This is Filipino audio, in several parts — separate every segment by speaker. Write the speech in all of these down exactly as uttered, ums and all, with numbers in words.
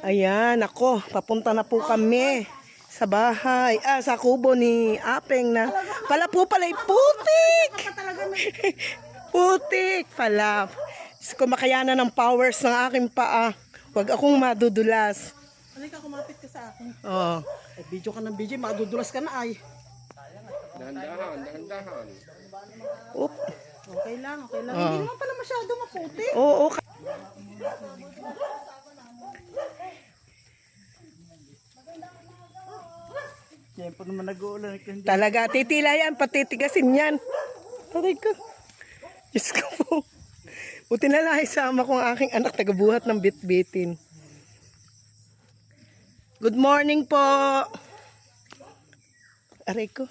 Speaker 1: Ayan, ako, papunta na po kami sa bahay. Ah, sa kubo ni Apeng na. Pala po pala, putik! Putik pala. Kumakayanan ng powers ng aking paa. Huwag akong madudulas.
Speaker 2: Halika, kumapit ka sa akin.
Speaker 1: Oo.
Speaker 2: Eh, video ka ng video, madudulas ka na ay.
Speaker 3: Dahan-dahan, dahan-dahan.
Speaker 1: Oop.
Speaker 2: Okay lang, okay lang.
Speaker 1: Ah.
Speaker 2: Hindi naman pala masyado maputi.
Speaker 1: Oo.
Speaker 2: Siyempre naman nag-uulan.
Speaker 1: Talaga, titila yan, patitigasin yan. Aray ko. Diyos ko po. Buti na lang isama ko ang aking anak tagabuhat ng bitbitin. Good morning po. Aray ko.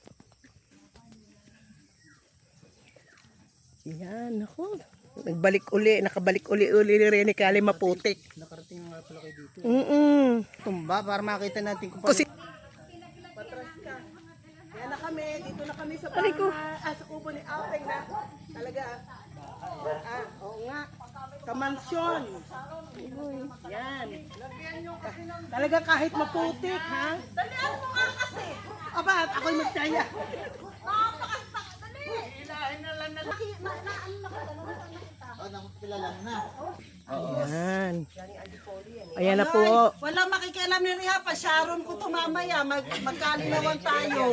Speaker 1: Yan, ako. Nagbalik uli, nakabalik uli-uli ni Rene Kali maputik.
Speaker 2: Nakarating nga pala kayo dito.
Speaker 1: Mm-mm.
Speaker 2: Tumba para makita natin kung
Speaker 1: Kasi,
Speaker 2: patras ka. Yan na kami, dito na kami sa bahay. Ah, sa kubo ni Apeng na. Talaga. Ah, oo nga. Kamansyon. Yan. Talaga kahit maputik, ha?
Speaker 4: Dalian mo nga kasi.
Speaker 2: Aba, at ako'y magtaya.
Speaker 4: Napakastak. Dali. Ilahin na lang na. Naki, na, na, ano na ka? Dalawa na kita.
Speaker 2: Oh, nakikilala mo na.
Speaker 1: ayan. Ayan na po.
Speaker 2: Wala makikialam ni Riha pa. Sharon ko to mamaya. Mag, magkalinawan tayo.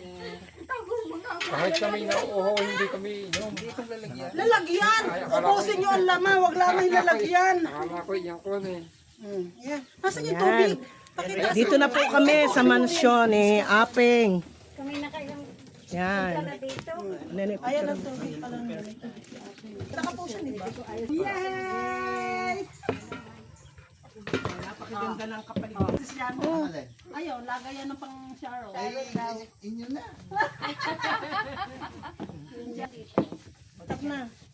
Speaker 3: Kahit kami nauuhaw, hindi kami inom.
Speaker 2: Lalagyan. Ubusin nyo ang laman. Huwag lamang lalagyan.
Speaker 3: Akala ko yan ko na eh.
Speaker 2: Hmm. Yan. Nasaan yung
Speaker 1: Ayan.
Speaker 2: tubig? Pakita.
Speaker 1: Dito na po kami sa mansyon eh, Apeng.
Speaker 4: Kami na kayong
Speaker 1: Yan.
Speaker 4: dito.
Speaker 1: Nene,
Speaker 2: Ayan ang tubig pala nila. Saka po siya, di ba? Yay! Napakaganda ng kapaligid. Oh. Ayaw, lagay yan ng pang Sharon. Inyo na. Tap na.